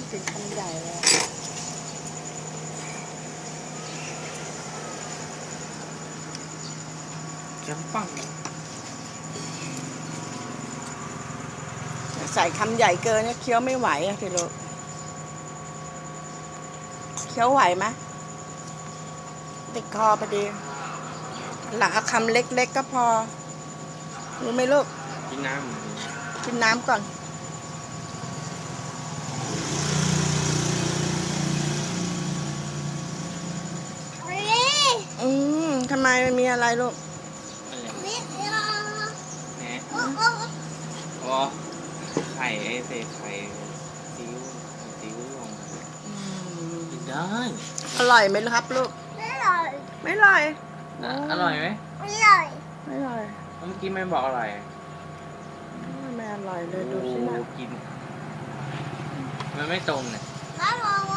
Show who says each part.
Speaker 1: กินคำใหญ่เลย
Speaker 2: เค็มปัง
Speaker 1: ใส่คำใหญ่เกินเนี่ยเคี้ยวไม่ไหวอะพี่ลูกเคี้ยวไหวไหมติดคอพอดีหลังเอาคำเล็กๆก็พอรู้ไหมลูก
Speaker 2: กินน้
Speaker 1: กินน้ำก่อนทำไมมันมีอะไรลูก
Speaker 2: ำอะไรแหนะอ๋อไข่ไอ้เศษไข่ซีอิ๊วซีอิ๊วลงกินได้
Speaker 1: อร่อยไหมครับลูก ไม่อร่อย
Speaker 2: อร่อยไหม
Speaker 1: ไม่อร่อย
Speaker 2: เมื่อกี้ไม่บอกอร่อย
Speaker 1: ไม่อร่อยเลยดูสินะ
Speaker 2: โอ้กินมันไม่ตรงเนี่ย
Speaker 3: น้ำลง